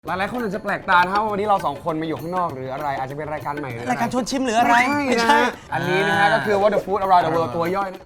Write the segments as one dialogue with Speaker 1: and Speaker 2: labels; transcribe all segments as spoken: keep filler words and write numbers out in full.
Speaker 1: หลายๆคนอาจจะแปลกตานะครับว่าวันนี้เราสองคนมาอยู่ข้างนอกหรืออะไรอาจจะเป็นรายการใหม่หรืออะไร
Speaker 2: รายการชวนชิมหรืออะไร
Speaker 1: ไม่ใช่นะอันนี้นะฮะก็คือ What the Food Around the World ตัวย่อยนะ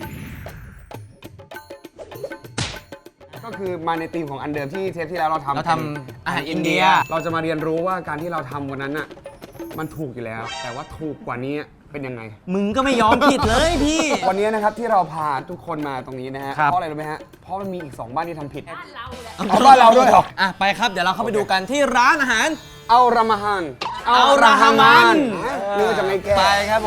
Speaker 1: ก็คือมาในธีมของอันเดิมที่เทปที่แล้วเราทำ
Speaker 2: เราทำอาหารอินเดีย
Speaker 1: เราจะมาเรียนรู้ว่าการที่เราทำวันนั้นน่ะมันถูกอยู่แล้ว แต่ว่าถูกกว่านี้เป็นยังไง
Speaker 2: มึงก็ไม่ยอมผิดเลยพี่
Speaker 1: วันนี้นะครับที่เราพาทุกคนมาตรงนี้นะฮะ
Speaker 2: ครับ
Speaker 1: เพราะอะไรรู้ไหมฮะเพราะมันมีอีกสองบ้านที่ทำผิด
Speaker 3: บ้านเราแหละ
Speaker 1: เอาบ้านเราด้วยเหรอ
Speaker 2: อ่ะไปครับเดี๋ยวเราเข้าไปดูกันที่ร้านอาหาร
Speaker 1: เอารามาฮัน
Speaker 2: เอาราฮามัน
Speaker 1: นี่ว่าจะไม่แก้
Speaker 2: ไปครับผม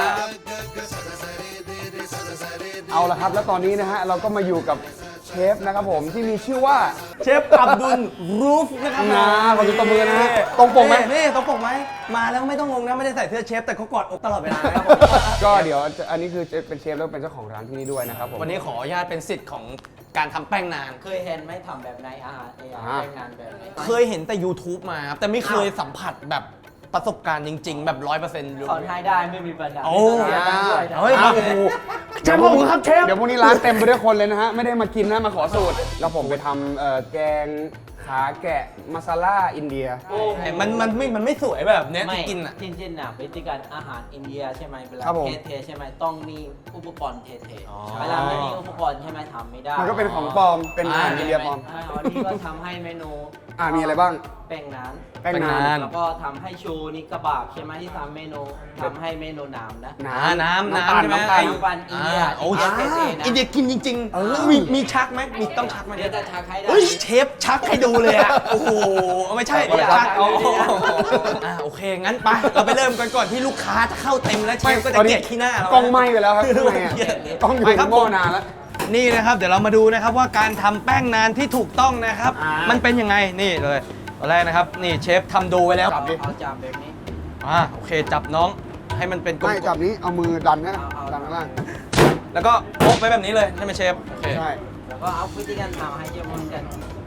Speaker 1: เอาละครับแล้วตอนนี้นะฮะเราก็มาอยู่กับเชฟนะครับผมที่มีชื่อว่า
Speaker 2: เชฟอับดุลรูฟนะครับ
Speaker 1: นะขอดูตบมือนะฮะตรงปกไหม
Speaker 2: นี่ตรงปกไหมมาแล้วไม่ต้องงงนะไม่ได้ใส่เสื้อเชฟแต่เขากอดอกตลอดเวลานะครับ
Speaker 1: ก็เดี๋ยวอันนี้คือเป็นเชฟแล้วเป็นเจ้าของร้านที่นี่ด้วยนะครับผม
Speaker 2: วันนี้ขออนุญาตเป็นสิทธิ์ของการทำแป้งนาน
Speaker 3: เคยเห็นไหมทำแบบไหนอาหารเออา
Speaker 1: อ่า
Speaker 3: แรงงานแบบไหน
Speaker 2: เคยเห็นแต่ YouTube มาครับแต่ไม่เคยสัมผัสแบบประสบการณ์จริง ๆ แบบร้อยเปอร์เซ็นต์
Speaker 3: สอนให้ได้ไม่มีปัญหา
Speaker 2: โอ้
Speaker 3: ไม่ต้องเสียตังค์ด้วยนะ
Speaker 2: เฮ้ย
Speaker 1: อ้าวโอ้โห
Speaker 2: เชฟขอบคุณครับเชฟ
Speaker 1: เดี๋ยวพรุ่งนี้ร้านเต็มไปด้วยคนเลยนะฮะไม่ได้มากินนะมาขอสูตรแล้วผมไปทำเอ่อแกงขาแกะมาซาล่าอินเดีย
Speaker 2: มันมันไม่มันไม่สวยแบบเนี้ย
Speaker 3: ไม่
Speaker 2: ที่กินอ่ะ
Speaker 3: จริงๆนะวิธีการอาหารอินเดียใช่ไหมเวลา
Speaker 1: ครับผม
Speaker 3: เทๆใช่ไหมต้องมีอุปกรณ์เท
Speaker 2: อ๋อ
Speaker 3: ๆเวลาไม่มีอุปกรณ์ใช่ไหมทำไม่ได้
Speaker 1: มันก็เป็นของปลอมเป็นอาหารอินเดียปลอม
Speaker 3: อ่าวันนี้ก็ทำให้เมนู
Speaker 1: อ่ามีอะไรบ้าง
Speaker 3: แป้งนาน
Speaker 1: แป้ง
Speaker 2: แป้ง
Speaker 1: นาน
Speaker 2: าน น
Speaker 3: แล้วก็ทำให้ชูนี่กระบาบใช่ไหมที่ทำเมนูทำให้เมนูน้ำนะ
Speaker 2: อ่าน้ำ
Speaker 1: น้ำ
Speaker 2: น้ำ
Speaker 1: ตาล
Speaker 2: ใช่ไหม
Speaker 1: น้ำตาล
Speaker 3: น้ำตาลอินเดีย
Speaker 2: อ่าโอ้
Speaker 3: อินเดียเท่ๆนะ
Speaker 2: อินเดียกินจริงๆ
Speaker 1: เออ
Speaker 2: มีมีชักไหมมีต้องชักไหม
Speaker 3: เดี๋ยวจะชักให้ได้
Speaker 2: เฮ้ยเชฟชักให้ดูเลยอ่ะ โอ้โหไม่ใช่
Speaker 3: ไม่ใช่
Speaker 2: ชัก
Speaker 3: ไม่
Speaker 2: เอา
Speaker 3: ใช่
Speaker 2: อ่าโอเคงั้นไปเราไปเริ่มกันก่อนที่ลูกค้าจะเข้าเต็มแล้วเชฟก็จะเกลียดขี้หน้าเรา
Speaker 1: กล้องไหม้ไปแล้วครับข้างในอะกล้องอยู่
Speaker 2: ไป
Speaker 1: ใน
Speaker 2: ครับ
Speaker 1: หม้อนานแล้ว
Speaker 2: นี่นะครับเดี๋ยวเรามาดูนะครับว่าการทำแป้งนานที่ถูกต้องนะครับ
Speaker 1: อ่ามั
Speaker 2: มันเป็นยังไงนี่เลยตอนแรกนะครับนี่เชฟทำดูไว้แล้ว
Speaker 1: จับดิ
Speaker 3: เอาจานแบบนี้
Speaker 2: อ่าโอเคจับน้องให้มันเป็นกล
Speaker 1: ไม่
Speaker 2: ม
Speaker 1: จับนี้เอามือดันนะ
Speaker 3: เอาเอา
Speaker 1: ดันข้างล่าง
Speaker 2: ๆแล้วก็โปะไปแบบนี้เลยใช่ไหมเชฟโอเค
Speaker 1: ใช่
Speaker 3: แล้วก็เอาวิธีการทำให้เยอะเหมือนกัน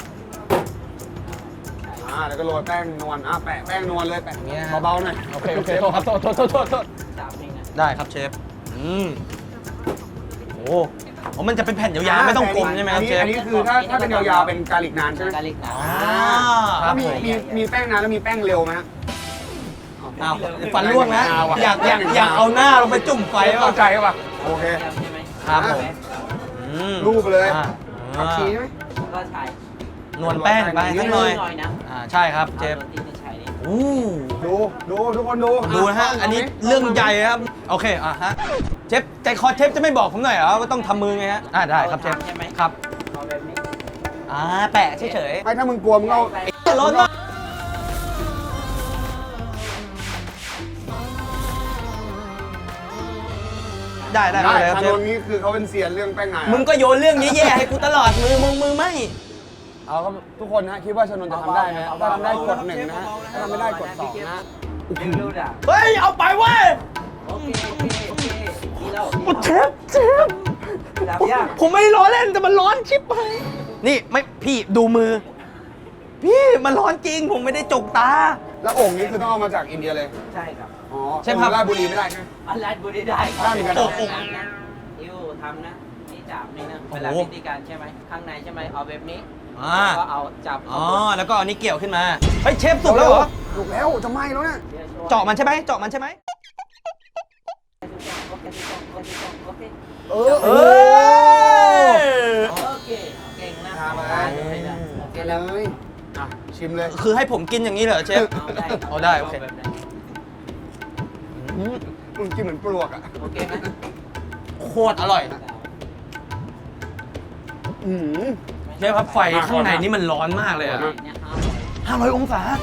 Speaker 1: อ่าแล้วก็โรยแป้งนวลอ่ะแปะแป้งนวลเลยแปะ
Speaker 2: อย่างเงี้ยฮะ
Speaker 1: เบาๆหน่อย
Speaker 2: โอเคโอเคโทษครับโทษโทษโทษโทษโทษ
Speaker 3: สามเองนะ
Speaker 2: ได้ครับเชฟ อืม โอ้โหมันจะเป็นแผ่นยาวๆไม่ต้องกลมใช่ไหมครับเชฟ
Speaker 1: อันนี้คือถ้าถ้าเป็นยาวๆเป็นกาลิกนานใช่ไหม
Speaker 3: กาลิกนะ
Speaker 2: อ่าค
Speaker 1: แล้
Speaker 2: รั
Speaker 1: ว
Speaker 2: บ
Speaker 1: มีมีมีแป้งนานแล้วมีแป้งเร็วไหมฮะ
Speaker 2: อ้าวฟันร่วงนะ
Speaker 1: เอาว่ะ
Speaker 2: อยากอยากอยากเอาหน้าลงไปจุ่มไฟ
Speaker 1: ไป
Speaker 2: ป่ะ
Speaker 1: เข้าใจป่ะโอเค
Speaker 3: ใช่ไหม
Speaker 2: ครับผมอืม
Speaker 1: รูปเลย
Speaker 2: อ่า
Speaker 1: ผักชีใช่ไหม
Speaker 3: ก็ใช้
Speaker 2: นวลแป้งไปสักหน่อย
Speaker 3: หน่อยนะ
Speaker 2: อ่าใช่ครับเชฟ
Speaker 3: อาโรตีจะใช้นี่
Speaker 2: อู้
Speaker 1: ดูดูทุกคนดู
Speaker 2: ดูนะฮะ อันนี้เรื่องใหญ่ครับ โอเค อ่ะฮะ เชฟใจคอเชฟจะไม่บอกผมหน่อยเหรอว่าต้องทำมือไงฮะ อ่าได้ครับเชฟ
Speaker 3: ใช่ไหม
Speaker 2: ครับ
Speaker 3: เอาแบบนี้
Speaker 2: อ่าแปะเฉย
Speaker 1: ไม่ถ้ามึงกลัวมึงเอา
Speaker 2: ๆร้อนมากได้ได้
Speaker 1: ได้
Speaker 2: ได้ครับ
Speaker 1: ทาง
Speaker 2: เช
Speaker 1: โน
Speaker 2: ฟ
Speaker 1: นนี้คือเขาเป็นเซียนเรื่องแป้งนาน
Speaker 2: มึงก็โยนเรื่องแย่ๆให้กูตลอดมือมึงมือไม่
Speaker 1: เอาครับทุกคนนะคิดว่าชนนจะทำได้ไหมถ้าทำได้กดหนึ่งนะฮะถ้าทำไม่ได้กดสองนะ
Speaker 3: เร็วๆด่ะ
Speaker 2: เฮ้ย เอาไปเว้ย
Speaker 3: โอเคโอเคโอเคดีแล้ว
Speaker 2: เชฟเชฟ
Speaker 3: ดับยาก
Speaker 2: ผมไม่ได้ล้อเล่นแต่มันร้อนชิบไปนี่ไม่พี่ดูมือ พี่มันร้อนจริงผมไม่ได้จกตา
Speaker 1: แล้วโอ่งนี้คือต้องเอามาจากอินเดียเลย
Speaker 3: ใช่ครับ
Speaker 1: อ๋อ
Speaker 2: ใช่ครับ
Speaker 1: ราชบุรีไม่ได้ใช่ไหม
Speaker 3: อันแรกบุรีได้ครั
Speaker 1: ได้เหมือนกัน
Speaker 3: โอ้โหนะอิวทำนะนี่จับนี่นะเวลาวิธีการใช่ไหมข้างในใช่ไหมเอาแบบนี้
Speaker 2: อ่า
Speaker 3: แล้วก็เอาจับ
Speaker 2: อ๋อแล้วก็เอานี้เกี่ยวขึ้นมาเฮ้ยเชฟสุกแล้วเหรอ
Speaker 1: ถูกแล้วจะไหม้แล้วเนี่ย
Speaker 2: เจาะมันใช่ไหมเจาะมันใช่ไหม
Speaker 3: โอเค
Speaker 1: เออ
Speaker 2: เอ
Speaker 1: เออ
Speaker 2: อ
Speaker 3: โอเคเก่งนะ
Speaker 1: ทำอะไร
Speaker 3: โอเค
Speaker 1: กิน
Speaker 3: แล้ว
Speaker 1: เลยอ่ะชิมเลย
Speaker 2: คือให้ผมกินอย่างนี้เหรอเชฟ
Speaker 3: เอาได้
Speaker 2: เอาได้โอเค
Speaker 3: แบบไหน
Speaker 2: อืม
Speaker 1: มึงกินเหมือนปลวกอ่ะ
Speaker 3: โอเคไหม
Speaker 2: โคตรอร่อย
Speaker 1: อืม
Speaker 2: เชฟครับไฟข้างในนี่มันร้อนมากเลยอะ
Speaker 3: เนี่ยห้า
Speaker 2: ห้าร้อยองศา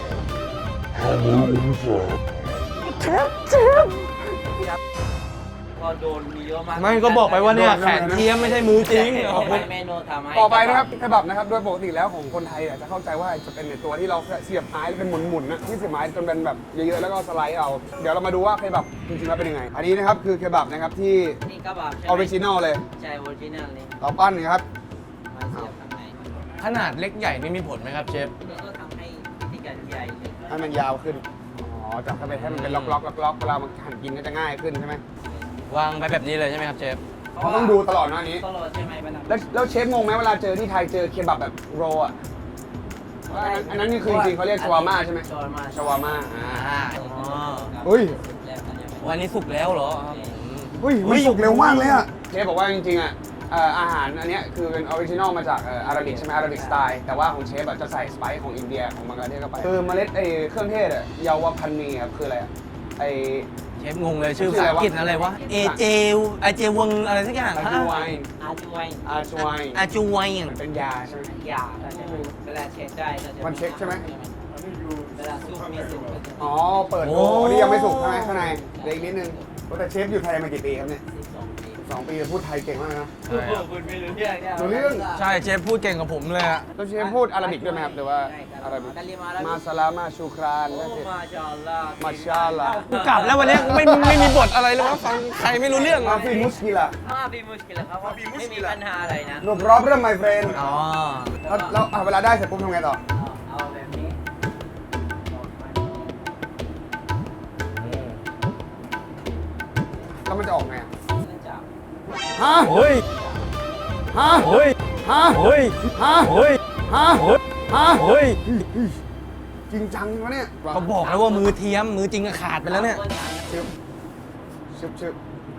Speaker 2: เชฟเชฟ
Speaker 3: ก็โดนมีเยอะมาก
Speaker 2: ไม่ก็บอกไปว่าเนี่ยแขนเทียมไม่ใช่มือจริง
Speaker 3: ต่อไปเมนูทำให้
Speaker 1: ต่อไปนะครับเคบับนะครับโดยปกติแล้วของคนไทยอ่ะจะเข้าใจว่าจะเป็นในตัวที่เราเสียบไม้เป็นหมุนๆนะที่เสียบไม้จนเป็นแบบเยอะๆแล้วก็สไลด์เอาเดี๋ยวเรามาดูว่าเคบับจริงๆแล้วเป็นยังไง อันนี้นะครับคือเคบับนะครับที่
Speaker 3: นี่กระบะ
Speaker 1: ออริจินอลเลย
Speaker 3: ใช่ออริจินัลนี่
Speaker 1: เราปั้นนะครับ
Speaker 3: มาเสียบข้างใน
Speaker 2: ขนาดเล็กใหญ่นี่มีผลไหมครับเชฟ
Speaker 3: นี่ก็ทำให้วิธีการใหญ่เลย
Speaker 1: ให้มันยาวขึ้นอ๋อจับเข้าไปให้มันเป็นล็อกๆล็อกๆเวลามันหั่นกินก็จะง่ายขึ้นใช่ไหม
Speaker 2: วางไปแบบนี้เลยใช่ไหมครับเชฟ
Speaker 1: เขาต้องดูตลอดนะอันนี้
Speaker 3: ตลอดใช่ไหมเวลา
Speaker 1: แล้วแล้วเชฟงงไหมเวลาเจอที่ไทยเจอเคบับแบบโรลอ่ะอันนั้นอันนั้นนี่คือจริงๆเขาเรียกชวาม่าใช่ไหม
Speaker 3: ชวาม่า
Speaker 1: ชวาม่าอ่า
Speaker 2: อ่า
Speaker 3: อ๋อ
Speaker 1: อุ้ย
Speaker 3: แล้วกันยังไง
Speaker 2: วันนี้สุกแล้วเหรอครับ
Speaker 1: อุ้ยมันสุกเร็วมากเลยอะเชฟบอกว่าจริงๆอะเอ่ออาหารอันเนี้ยคือเป็นออริจินอลมาจากเอ่ออาราบิกใช่ไหมอาราบิกสไตล์แต่ว่าของเชฟอะจะใส่สไปซ์ของอินเดียของบังกลาเทศเข้าไปคือเมล็ดไอ้เครื่องเทศอะเยาวพันนีครับคืออะไรอะไอ
Speaker 2: เชฟงงเลยชื่อภาษาอังกฤษอะไรวะ เอเจไอเจวงอะไรสักอย่าง
Speaker 1: อาจูไวน์
Speaker 3: อาจวย
Speaker 1: อาจูไวน์
Speaker 2: อาจูไวน์
Speaker 1: มันเป็นยาใช่ไหม
Speaker 3: ยาก็จะเวลาเช็คได้ก็จะ
Speaker 1: มันเช็คใช่ไหม
Speaker 3: เวลาซุปมีซุปก็จะ
Speaker 1: อ๋อเปิดโอ้นี่ยังไม่สุกใช่ไหมข้างในเหลืออีกนิดนึงแต่เชฟอยู่ไทยมากี่ปีครับเนี่ย
Speaker 3: สิบสองปี
Speaker 1: สองปีพูดไทยเก่งมากนะ
Speaker 2: ใช่ครับ
Speaker 3: คุณไม่รู้เรื่องเนี่ย
Speaker 1: รู้เรื่อง
Speaker 2: ใช่เชฟพูดเก่งกับผมเลยอะ
Speaker 1: แล้วเชฟพูดอาราบิกด้วยไหมครับหรือว่า
Speaker 3: ใช่ครับ
Speaker 1: อาราบิก
Speaker 3: กะลิมาอาราบิก
Speaker 1: มาซาลามาชูคราน
Speaker 3: โอ้
Speaker 1: นั่นสิ
Speaker 3: มาชาอัลลอฮ์
Speaker 1: มาชาอัลลอฮ์
Speaker 2: กูกลับแล้ววันนี้ไม่ไม่มีบทอะไรเลยว่าฟังใครไม่รู้เรื่อง
Speaker 1: มา
Speaker 2: อะ
Speaker 1: ฟิมุสกิล่ะ
Speaker 3: มาบีมุชกิลครับว่าไม่มีปัญหาอะไรนะ
Speaker 1: no problem my friend
Speaker 2: อ๋อ
Speaker 1: แล้วแล้วอ่ะเวลาได้เสร็จปุ๊บทำไงต่อ
Speaker 3: เอาแบบนี้
Speaker 1: แล้วมันจะออกไงอ่ะ
Speaker 3: เนื่องจาก
Speaker 1: ฮะ
Speaker 2: เฮ้ย
Speaker 1: ฮะ
Speaker 2: เฮ้ย
Speaker 1: ฮะ
Speaker 2: เฮ้ย
Speaker 1: ฮะ
Speaker 2: เฮ้ย
Speaker 1: ฮะ
Speaker 2: เฮ้ย
Speaker 1: ฮะ
Speaker 2: เฮ้ย
Speaker 1: จริงจังวะเนี่ย
Speaker 2: เขาบอกแล้วว่ามือเทียมมือจริงก็ขาดไปแล้วเนี่ย
Speaker 1: ชึบชึบชึบ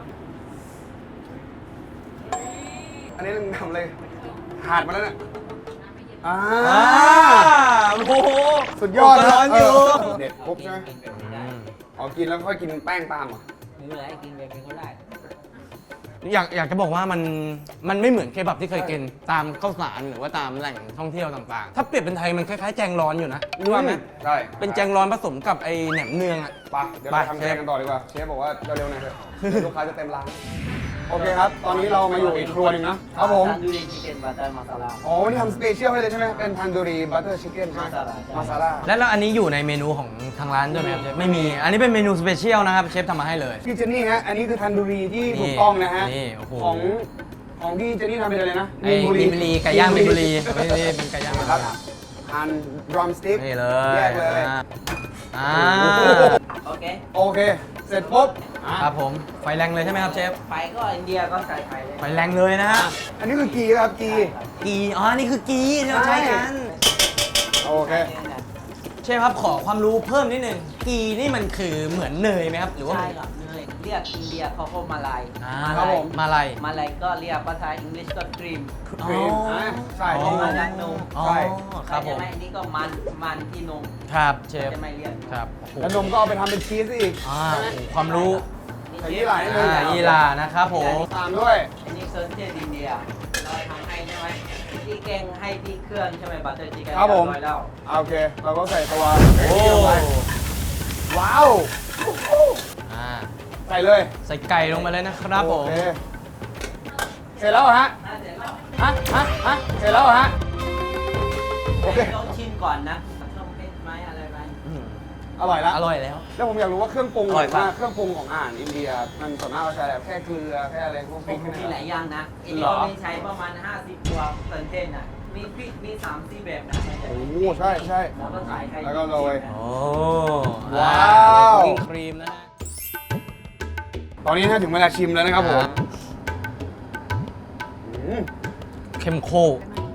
Speaker 1: อันนี้มึงทำเลยขาดมาแล้วเนี่ยอ่า
Speaker 2: อ่าโอ้โห
Speaker 1: สุดยอดนะ
Speaker 2: ร้อนอยู่
Speaker 1: เออเด็ดปุ๊บใช่ไหม
Speaker 3: กินแบบนี้ได้
Speaker 1: อ๋อกินแล้วค่อยกินแป้งตามเหรอ
Speaker 3: ไม่เป็นไรกินแบบนี้ก็ได้
Speaker 2: อยากอยากจะบอกว่ามันมันไม่เหมือนเคบับที่เคยกินตามข้าวสารหรือว่าตามแหล่งท่องเที่ยวต่างๆ ถ้าเปรียบเป็นไทยมันคล้ายๆแจงร้อนอยู่นะรู้ว่าไหม
Speaker 1: ใช่
Speaker 2: เป็นแจงร้อนผสมกับไอแหนมเนืองอ่ะ
Speaker 1: ไปเดี๋ยวเรา
Speaker 2: ไป
Speaker 1: ทำ
Speaker 2: เช
Speaker 1: แก
Speaker 2: ฟ
Speaker 1: งกันต่อดีกว่า เชฟบอกว่าเร็วๆหน่อยเถอะเดี๋ยวลูกค้าจะเต็มร้าน โอเคครับ ตอนนี้เรามาอยู่อีกครัวหนึงนะครับผม
Speaker 3: ทันดูดีชิคเก้นบัตเตอร์มาซาลา
Speaker 1: อ๋อวันนี้ทำสเปเชียลให้เลยใช่ไหมเป็นทันดูรีบัตเตอร์ชิคเก้นใช่ไหม
Speaker 3: มาซาลา
Speaker 1: มาซาลา
Speaker 2: แล้วแล้วอันนี้อยู่ในเมนูของทางร้านด้วยไหมครับเชฟไม่มี อันนี้เป็นเมนูสเปเชียลนะครับเชฟทำมาให้เลย
Speaker 1: พี่เจนนี่ฮะ อันนี้คือทันดูรีที่
Speaker 2: นี่
Speaker 1: ถูกต้องนะฮะ
Speaker 2: นี่โอ้โห
Speaker 1: ของของพี่เจนนี่ทำเป็นอะไรนะ
Speaker 2: ไอ้มินบุรีไก่ย่างมินบุรีนี่นี่เป็นไก่ย่างมิน
Speaker 1: ค
Speaker 2: บุ
Speaker 1: รับ
Speaker 2: รี
Speaker 1: ทันดรัมสติ๊ก
Speaker 2: นี่เล
Speaker 1: แย
Speaker 2: ย
Speaker 1: กเลย
Speaker 2: อ่าอ่า
Speaker 3: โอเค
Speaker 1: โอเค เสร็จปุ๊บอ่ะ
Speaker 2: ครับผมไฟแรงเลยใช่ไหมครับเชฟ
Speaker 3: ไฟก็อินเดียก็ใส่ไฟเลย
Speaker 2: ไฟแรงเลยนะฮะ
Speaker 1: อันนี้คือกีครับกี
Speaker 2: กีอ๋อนี่คือกีที่เราใช้กัน
Speaker 1: โอเค
Speaker 2: เชฟครับขอความรู้เพิ่มนิดนึงกีนี่มันคือเหมือนเนยไหมครับหรือว่า
Speaker 3: ใช่ครับเนยเรียกอินเดียเขาก็มาลาย
Speaker 2: อ่า
Speaker 1: ครับผม
Speaker 2: มาลาย
Speaker 3: มาลายก็เรียกภาษาอังกฤษก็ครีม
Speaker 1: ครีมอ่ะใช่
Speaker 2: อ๋อ
Speaker 1: ที่
Speaker 3: มาจากนม
Speaker 2: อ๋อ
Speaker 1: ใช่
Speaker 2: ครับผม
Speaker 3: ใช่ไหมอันนี้ก็มันมันที่นม
Speaker 2: ครับเชฟ
Speaker 3: จะไม่เรียก
Speaker 2: ครับโอ้โห
Speaker 1: แล้วนมก็เอาไปทำเป็นชีสอีก
Speaker 2: อ่าโอ้โหความรู้
Speaker 1: ใส่ยี่หร่านิดนึง
Speaker 2: อ่ายีรานะครับผม
Speaker 1: ตามด้วย
Speaker 3: อันนี้เซอร์เทนอินเดียเราทำให้ใช่ไหมที่แกงให้ที่เครื่องใช่ไหมบัตเตอร์ชิคเก้น
Speaker 1: ครับผม
Speaker 3: เยอยแล้ว
Speaker 1: โอเค เราก็ใส่ตัว
Speaker 2: โอ้
Speaker 1: ลงไปว้าว
Speaker 2: อ่า
Speaker 1: ใส่เลย
Speaker 2: ใส่ไก่ลงไปเลยนะครับผม
Speaker 1: โอเคเสร็จแล้วเหรอฮะ
Speaker 3: น่าเสร็จแล้ว
Speaker 1: ฮะ ฮะ ฮะ เสร็จแล้วเหรอฮะ โอเค
Speaker 3: ต้องชิมก่อนนะต้องเผ็ดไหมอะไรไหม
Speaker 2: อืม
Speaker 1: อร่อยแล้ว
Speaker 2: อร่อยแล้ว
Speaker 1: แล้วผมอยากรู้ว่าเครื่องปรุง
Speaker 2: อร่อยปะ
Speaker 1: ว่าเครื่องปรุงของอาหารอินเดีย มันส่วนมากเราใช้อะไรแค่เกลือ แค่อะไรพวกพริก
Speaker 3: มี
Speaker 1: นี่
Speaker 3: หลายอย่างนะอันนี้
Speaker 1: เหรอ
Speaker 3: เราใช้ประมาณ ห้าสิบตัวเซอร์เทนอ่ะมีพริกมีสามสี่แบบนะ
Speaker 1: โอ้โหใช่ใช่
Speaker 3: แล้วก็ใส่ไข่
Speaker 1: แล้วก็โรย
Speaker 2: โอ้
Speaker 1: ว้าว
Speaker 2: อ่ครีมนะฮะ
Speaker 1: ตอนนี้นะถึงเวลาชิมแล้วนะครับผมอืม
Speaker 2: เข้มข้น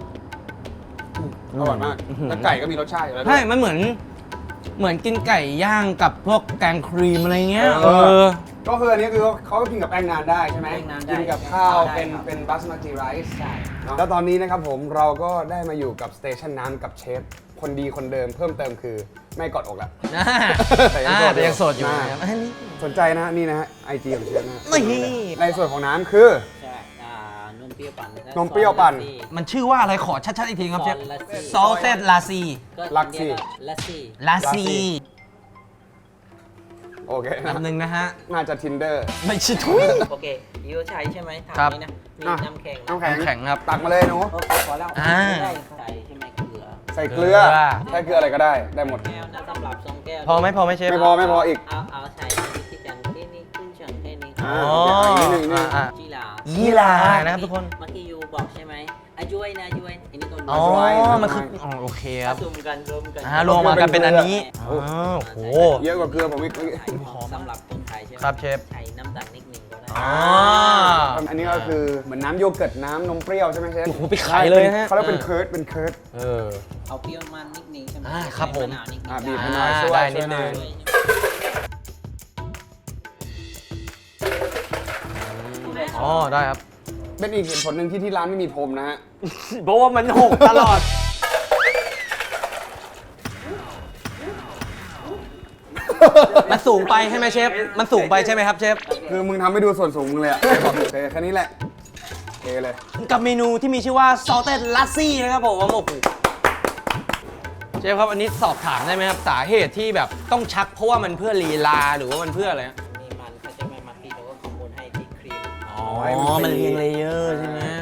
Speaker 1: อร่อยมาก
Speaker 2: อื้อหือ
Speaker 1: แล้วไก่ก็มีรสชาติอยู่แล้วด้
Speaker 2: ใช่
Speaker 1: วย
Speaker 2: มันเหมือน เหมือนกินไก่ย่างกับพวกแกงครีมอะไรเงี้ย
Speaker 1: เอ
Speaker 2: เอ
Speaker 1: อ
Speaker 2: อ
Speaker 1: ก็คืออันนี้คือเขาก็กินกับแป้งนานได้ใช่ไหม
Speaker 3: แป้งนานได้
Speaker 1: กินกับข้าว
Speaker 3: ได้
Speaker 1: เป็น
Speaker 3: ครับ
Speaker 1: เป็นบาสมาติไรซ์
Speaker 3: ใช่
Speaker 1: แล้วตอนนี้นะครับผมเราก็ได้มาอยู่กับสเตชันน้ำกับเชฟคนดีคนเดิมเพิ่มเติมคือไม่กอดอกแล้ว
Speaker 2: อ่า
Speaker 1: แต่ยัง
Speaker 2: อ่า
Speaker 1: โสดอยู่
Speaker 2: แต่ยังโสดอยู่
Speaker 1: อ่า
Speaker 2: นะครับอันนี้
Speaker 1: สนใจนะนี่นะฮะไอจีของเชฟนะ
Speaker 2: นี่
Speaker 1: ในส่วนของน้ำคือ
Speaker 3: ใช่อ่านมเปรี้ยวปั่น
Speaker 1: นมเปรี้ยวปั่น
Speaker 2: มันชื่อว่าอะไรขอชัดๆอีกทีครับเชฟ
Speaker 3: ซอส
Speaker 2: ซอสเซตลาซี
Speaker 1: ลักซี่
Speaker 3: ลักซี่
Speaker 2: ลาซี
Speaker 1: โอเคนะ
Speaker 2: ลำหนึ่งนะฮะ
Speaker 1: น่าจะ tinder
Speaker 2: ไม่ใช่ทุย
Speaker 3: โอเคยูใช้ใช่ไหมถาม
Speaker 2: ครับ
Speaker 3: นี้นะมี
Speaker 1: อ่ะ
Speaker 3: น้ำแข็ง
Speaker 1: น้ำแข็ง
Speaker 2: น้ำแข็งครับ
Speaker 1: ตักมาเลยหนู
Speaker 3: โอเคพอแล้ว
Speaker 2: อ่า
Speaker 3: ไม่ได้ใส่ใช่ไหมเกลือ
Speaker 1: ใส่เกลือ
Speaker 2: เกลือ
Speaker 1: ใส่เกลืออะไรก็ได้ได้หมด
Speaker 3: แก้วนะสำหรับสองแก้ว
Speaker 2: พอไหมพอไหมเชฟ
Speaker 1: ไม่พอไม่พออีก
Speaker 3: เอาเอาใส่ที่จังแค่นี้ขึ้นจังแค่นี้
Speaker 1: อ่า
Speaker 2: อ๋อ
Speaker 1: โอเคอันนี้หนึ่งนี่
Speaker 2: อ่า
Speaker 3: จีหลา
Speaker 2: ยี่ลานะครับทุกคน
Speaker 3: เมื่อกี้ยูบอกใช่ไหมอายุยนะอายุยอันนี้ก็
Speaker 2: อ๋อ
Speaker 1: ไว้
Speaker 2: มันคืออ๋อโอเคครับ
Speaker 3: รวมกันรวมกัน
Speaker 2: อ่ารวมมากันเป็นอันนี้อ๋อโอ้โห
Speaker 1: เยอะกว่าเกลือผมอีก
Speaker 3: ใส่ของสำหรับคนไทยใช่ไหม
Speaker 2: ครับเชฟ
Speaker 3: ใส่น้ำตาลนิดหนึ่งก็ได้
Speaker 2: อ๋อ
Speaker 1: อันนี้ก็คือเหมือนน้ำโยเกิร์ตน้ำนมเปรี้ยวใช่ไหมเชฟ
Speaker 2: โอ้โหไปขายเลยฮะ
Speaker 1: เขาเรียกเป็นเคิร์ดเป็นเคิร์ด
Speaker 2: เออ
Speaker 3: เอาเปรี้ยวมันนิดนึงใช่ไหม
Speaker 2: อ่าครับผม
Speaker 3: ใส่ะนาวนิดนึง
Speaker 1: อ่าบีบ
Speaker 3: ได้
Speaker 1: ให้หน่อยช่วย
Speaker 2: ได้
Speaker 1: ช่วย
Speaker 2: นิดนึง
Speaker 3: ด้วย
Speaker 2: อ๋อได้ครับ
Speaker 1: เป็นอีกเหตุผลหนึ่งที่ที่ร้านไม่มีพรมนะฮะ
Speaker 2: เพราะว่ามันหกตลอด มันสูงไปใช่ไหมเชฟ มันสูงไปใช่ไหมครับเชฟ
Speaker 1: คือมึงทำให้ดูส่วนสูงมึงเลยอะบอกโอเคแค่นี้แหละโอเคเลย
Speaker 2: กับเมนูที่มีชื่อว่า salted lassi นะครับผมโอ้โหเชฟครับอันนี้สอบถามได้ไหมครับ สาเหตุที่แบบต้องชักเพราะว่ามันเพื่อลีลาหรือว่ามันเพื่ออะไรฮะ
Speaker 3: มีมันเขาจะไม่มาปีแล้วก็คอมมูนให้ที่ครีม
Speaker 2: อ๋อ มันเรียงเลเยอร์ใช่ไหม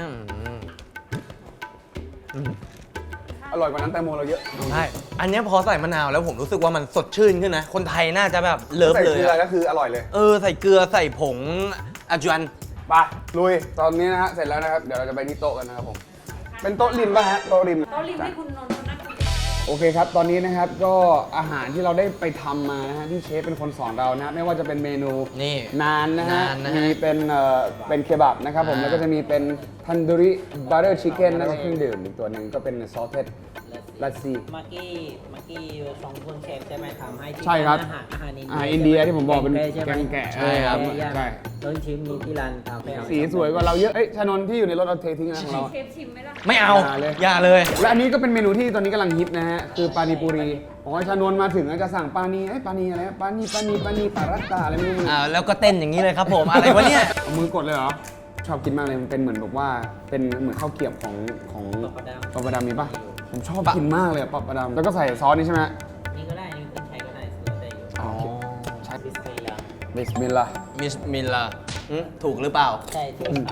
Speaker 2: อืม
Speaker 1: อร่อยกว่านั้นแตงโมเราเยอะ
Speaker 2: ใช่ อันเนี้ยพอใส่มะนาวแล้วผมรู้สึกว่ามันสดชื่นขึ้นนะ คนไทยน่าจะแบบเลิฟ
Speaker 1: ใส่
Speaker 2: เลย
Speaker 1: เกลือ
Speaker 2: อะ
Speaker 1: ก็คืออร่อยเลย
Speaker 2: เออ ใส่เกลือใส่ผงอาจวน
Speaker 1: ไปลุยตอนนี้นะฮะเสร็จแล้วนะครับเดี๋ยวเราจะไปที่โต๊ะกันนะครับผมเป็นโต๊ะริมป่ะฮะโต๊ะริม
Speaker 4: โต๊ะริมให้คุณนนท์เขานั่งคุย
Speaker 1: โอเคครับ ตอนนี้นะครับก็อาหารที่เราได้ไปทำมานะฮะที่เชฟเป็นคนสอนเรานะฮะไม่ว่าจะเป็นเมนู
Speaker 2: นี่
Speaker 1: นานนะฮะ
Speaker 2: นานนะฮะ
Speaker 1: มีเป็นเอ่อเป็นเคบับนะครับผม
Speaker 2: อ่า
Speaker 1: แล้วก็จะมีเป็นทันดูริบัตเตอร์ชิคเก้นแล้วก็เครื่องดื่มอีกตัวหนึ่งก็เป็นซอสเทสลัสซี่
Speaker 3: เมื่อกี้เมื่อกี้สองคนเชฟใช่ไหมทำให้ที่
Speaker 1: ใช่ครับ
Speaker 3: อาหารอาหารอิน
Speaker 1: อาหารอินเดียที่ผมบอกเป็น
Speaker 3: ใช่ไห
Speaker 1: แกงแกะ
Speaker 2: ใช่ครับ
Speaker 1: เออใช่
Speaker 3: ต้นชิมนี้ที่ร้านคาเฟ่
Speaker 1: สีสวยกว่าเราเยอะเอ้ยชานนท์ที่อยู่ในรถเอาเททิ้งนะของเรา
Speaker 4: เชฟชิมไหมล่ะ
Speaker 2: ไม่เอา
Speaker 1: อย่าเลย
Speaker 2: อย่าเลย
Speaker 1: และอันนี้ก็เป็นเมนูที่ตอนนี้กำลังฮิตนะฮะ คือปานิปุรีของชานนท์มาถึงแล้วจะสั่งปานีไอ้ยปานีอะไรนะปานีปานีปานีปารัตตาอะไรไม่รู้มัน
Speaker 2: อ่า แล้วก็เต้นอย่างนี้เลยครับผม อะไรวะเนี่ย
Speaker 1: เอามือกดเลยเหรอ ชอบกินมากเลยมันเป็นเหมือนแบบว่าเป็นเหมือนข้าวเกรียบของของ
Speaker 3: ปลาดำ
Speaker 1: ปลาประดำมีปะผมชอบกินมากเลยอะปลาประดำแล้วก็ใส่ซอสนี่ใช่ไหม
Speaker 3: นี่ก็ได้นี่คนไทยก็ได้ซื้อได้อยู่
Speaker 1: อ๋อใช่
Speaker 3: บิสมิลลาห์
Speaker 1: บิสมิลลาห์
Speaker 2: มิสมิลลาหึถูกหรือเปล่า
Speaker 3: ใช่ถูกครับ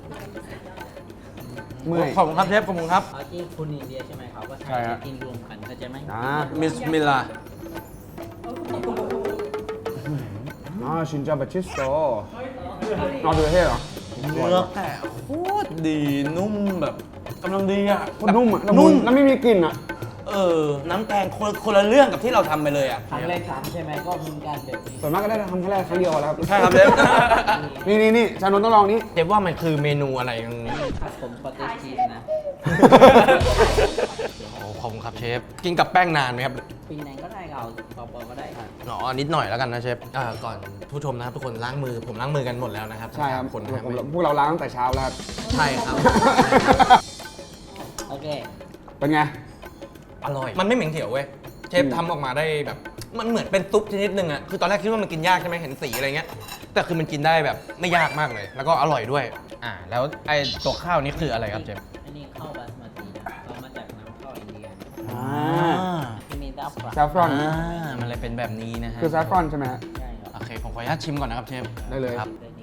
Speaker 1: เมื่อย
Speaker 2: ขอบคุณครับเชฟขอบคุณครับ
Speaker 3: เอาที่คุณอินเดียใช่ไหมเขาก็
Speaker 1: ใช่
Speaker 3: ใช้
Speaker 1: ฮะ
Speaker 3: กินรวมกันเข้าใจไหม
Speaker 1: อ่า
Speaker 2: มิสมิลลา
Speaker 1: อ๋อชินจาบัชิสโตนอร์เวย์เหรอ
Speaker 2: เนื้อแต่โคตรดีนุ่มแบบกำลังดีอ่ะ
Speaker 1: โคตรนุ่มอ่ะละมุ
Speaker 2: นุ่
Speaker 1: น
Speaker 2: ม
Speaker 1: แล้วไม่มีกลิ่นอ่ะ
Speaker 2: เออ น้ำแกงคนคนละเรื่องกับที่เราทำไปเลยอ่ะ
Speaker 3: ครั้งแรกทำใช่ไหมก็มีการแบบนี้
Speaker 1: ส่วนมากก็ได้ทำแค่แรกครั้งเดียวแล้วครับ
Speaker 2: ใช่ครับเชฟ
Speaker 1: นี่นี่นี่ชานนท์ต้องลองนี้
Speaker 2: เชฟว่ามันคือเมนูอะไรกันนี้
Speaker 3: ผัดผมคอตเตจชีสนะ
Speaker 2: โอ้ขอบคุณครับเชฟ กินกับแป้งนานไหมครับ
Speaker 3: ปีไหนก็ได้เอาเบาๆก็ได้ครับ
Speaker 2: อ๋อนิดหน่อยแล้วกันนะเชฟอ่าก่อนผู้ชมนะครับทุกคนล้างมือผมล้างมือกันหมดแล้วนะครับ
Speaker 1: ใช่ครับ
Speaker 2: ทั้งสามคนนะครับ
Speaker 1: ผมพวกเราล้างตั้งแต่เช้าแล้วครับ
Speaker 2: ใช่ครับ
Speaker 3: โอเค
Speaker 1: เป็นไง
Speaker 2: อร่อย มันไม่เหม็นเขียวเว้ย เชฟ
Speaker 1: อืม
Speaker 2: ทำออกมาได้แบบ มันเหมือนเป็นซุปชนิดหนึ่งอะคือตอนแรกคิดว่ามันกินยากใช่ไหมเห็นสีอะไรเงี้ย แต่คือมันกินได้แบบไม่ยากมากเลย แล้วก็อร่อยด้วย อ่า แล้วไอ้ตัวข้าวนี่คืออะไรครับเชฟ
Speaker 3: อันนี้ข้าวบาสมาตินะเรามาจากน้ำข้าวอินเดีย
Speaker 1: อ่า
Speaker 3: ที่มีดับปลา
Speaker 1: ซาฟรอน
Speaker 2: อ่า มันเลยเป็นแบบนี้นะฮะ
Speaker 1: คือซาฟรอนใช่ไหมฮะ
Speaker 3: ใช่ครับ
Speaker 2: โอเค ผมขออนุญาตชิมก่อนนะครับเชฟ
Speaker 1: ได้เลย
Speaker 2: ครับ
Speaker 3: ได้นี่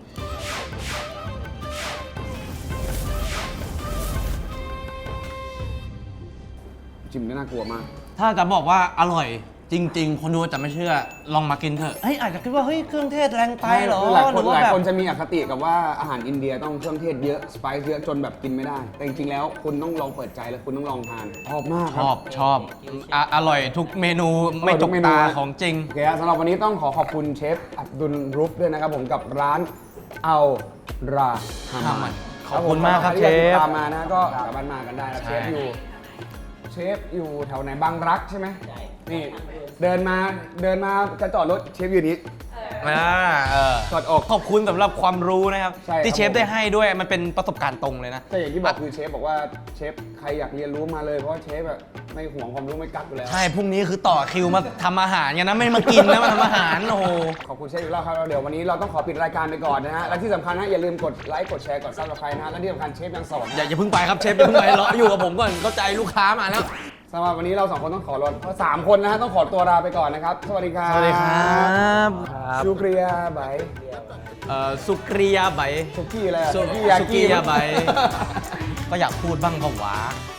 Speaker 1: จิ้มได้น่ากลัวมาก
Speaker 2: ถ้าจะบอกว่าอร่อยจริง ๆ คนดูจะไม่เชื่อ ลองมากินเถอะ เฮ้ยอาจจะคิดว่าเฮ้ยเครื่องเทศแรงไปเหรอ
Speaker 1: คือหลาย
Speaker 2: ห
Speaker 1: ค
Speaker 2: รื
Speaker 1: น
Speaker 2: อว่า
Speaker 1: หลาย
Speaker 2: แบบ
Speaker 1: คนจะมีอคติกับว่าอาหารอินเดียต้องเครื่องเทศเยอะ สไปซ์เยอะจนแบบกินไม่ได้ แต่จริงๆแล้วคุณต้องลองเปิดใจแล้วคุณต้องลองทานชอบมากค
Speaker 2: ช
Speaker 1: รั
Speaker 2: อบชอบอ่ะอร่อยทุกเมนูไม่
Speaker 1: อร่อยทุ
Speaker 2: ต
Speaker 1: ก
Speaker 2: ก
Speaker 1: เมนู
Speaker 2: ตา
Speaker 1: นะ
Speaker 2: ของจริง
Speaker 1: โอเคฮะสำหรับวันนี้ต้องขอขอบคุณเชฟอับดุลรุฟด้วยนะครับผมกับร้านเอาราฮา
Speaker 2: ฮามั
Speaker 1: มัน
Speaker 2: นขอบคุณมากครับ
Speaker 1: ใที่อยติด
Speaker 2: เชฟ
Speaker 1: ตามมานะก็สามารถมากันได้นะ
Speaker 2: ใช่
Speaker 1: เชฟอยู่ เชฟอยู่แถวไหนบางรักใช่ไหม
Speaker 3: ใช่
Speaker 1: นี่เดินมาเดินมาจะจอดรถเชฟอยู่นี้
Speaker 2: อ่าเออ
Speaker 1: ถอดออก
Speaker 2: ขอบคุณสำหรับความรู้นะครับ
Speaker 1: ใช่ครับ
Speaker 2: ที่เชฟได้ให้ด้วยมันเป็นประสบการณ์ตรงเลยนะ
Speaker 1: แต่อย่างที่บอกคือเชฟบอกว่าเชฟใครอยากเรียนรู้มาเลยเพราะว่าเชฟแบบไม่ห่วงความรู้ไม่กักอยู่แล้ว
Speaker 2: ใช่ พรุ่งนี้คือต่อคิวมาทำอาหารกันนะ ไม่มากินนะ มาทำอาหาร โอ้โห
Speaker 1: ขอบคุณเชฟอีกรอบครับแล้วเดี๋ยววันนี้เราต้องขอปิดรายการไปก่อนนะฮะและที่สำคัญนะอย่าลืมกดไลค์กดแชร์กดซับสไครต์นะฮะและที่สำคัญเชฟยังสอน
Speaker 2: อย่าอย่าเพิ่งไปครับเชฟอย่าเพิ่งไปรออยู่กับผมก่อนเข้าใจลูกค้ามาแล้ว
Speaker 1: สำหรับวันนี้เราสองคนต้องขอรถเพราะสามคนนะฮะต้องขอตัวลาไปก่อนนะครับสวัสดีครับ
Speaker 2: สวัสดีครับ
Speaker 1: ชูเกรียบาย
Speaker 2: เอ่อสุกริยาไบ
Speaker 1: สุกี้อะไรอะ
Speaker 2: สุ
Speaker 1: กี้
Speaker 2: สุกี้ยาไบ ก็อยากพูดบ้างก็หวา
Speaker 1: โ